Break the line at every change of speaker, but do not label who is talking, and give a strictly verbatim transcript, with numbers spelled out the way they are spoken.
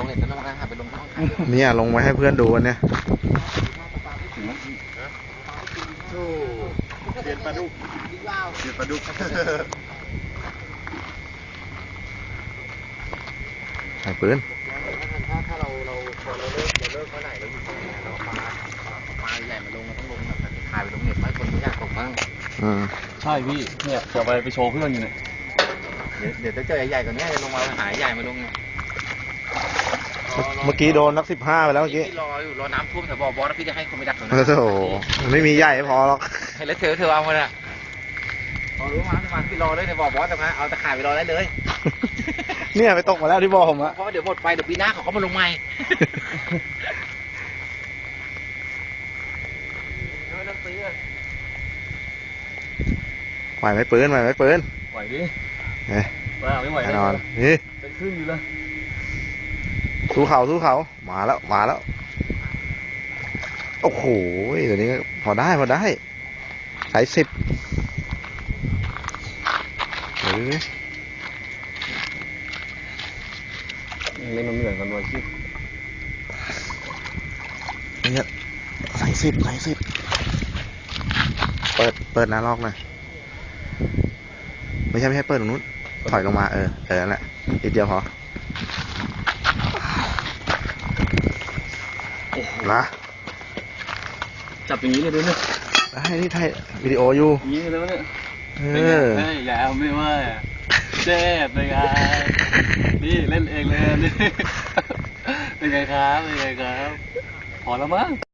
เน็ตแล้วมันก็หาไปลงช่อง
เนี่ยลงไว้ให้เพื่อนดูวันเนี่ย
เปลี่ยนปลาดุกเปลี่ยนปลาดุก
ใส่ปืน
ถ้าถ้าเราเราเราเลิกเราเลิกเมื่อไหร่เราอยู่ตรงนี้เราปลาปลาใหญ่มาลงเราต้องลงแบบถ่ายไปลงเน็ตให้คนไม่อยากตกบ้าง
อืม
ใช่พี่เนี่ยจะไปไปโชว์เพื่อนอยู่เนี่ย
เดี๋ยวเดี๋ยวจะเจอใหญ่กว่านี้จะลงมาหายใหญ่มาลงเนี่ย
เมื่อกี้โดนนักสิบห้าไปแล้วเมื่อกี้
รออยู่รอน้ำท่วมแถวบ่อบอสพี่จะให้คนไปดักตรงนั้
โอ้
น
โหไม่มีใหญ่พอหรอก
ให้เลสเทลเธอเอามาเนี่ยพอรู้มาที่มาพี่รอเลยในบ่อบอสตรงนั้นเอาตะข่ายไปรอได้เลย
เนี่ยไปตกมาแล้วที่บ่อผมอะ
เพราะเดี๋ยวหมดไปเดี๋ยวปีหน้าเขาก็มาลงใหม่
ไหวไหมปืนไหวไหมปืน
ไหวดิ
เฮ้ย
ว่าไม่ไหว
แน่นอนนี่
เป็นครึ่งอยู่เลย
สู้เขาสู้เขามาแล้วมาแล้วโอ้โหเดี๋ยวนี้พอได้พอได้สายสิบเฮ้ย
เล่นมันเหมือนกันวันที่
เนี่ยสายสิบสายสิบเปิดเปิดหน้าลอกหน่อยไม่ใช่ไม่ใช่เปิดตรงนู้นถอยลงมาเออเออนั่นแหละอีกเดียวพอนะ
จับอย่างนี้เลยด้วยเนี่ย
ได้ที่ถ่ายวิดีโออยู่
อย่างนี้เลยเนี่ย
เออ
เฮ้ยแล้วไม่ว่าเจ็บเลยไงนี่เล่นเองเลยนี่เป็นไงครับเป็นไงครับพอแล้วมั้ง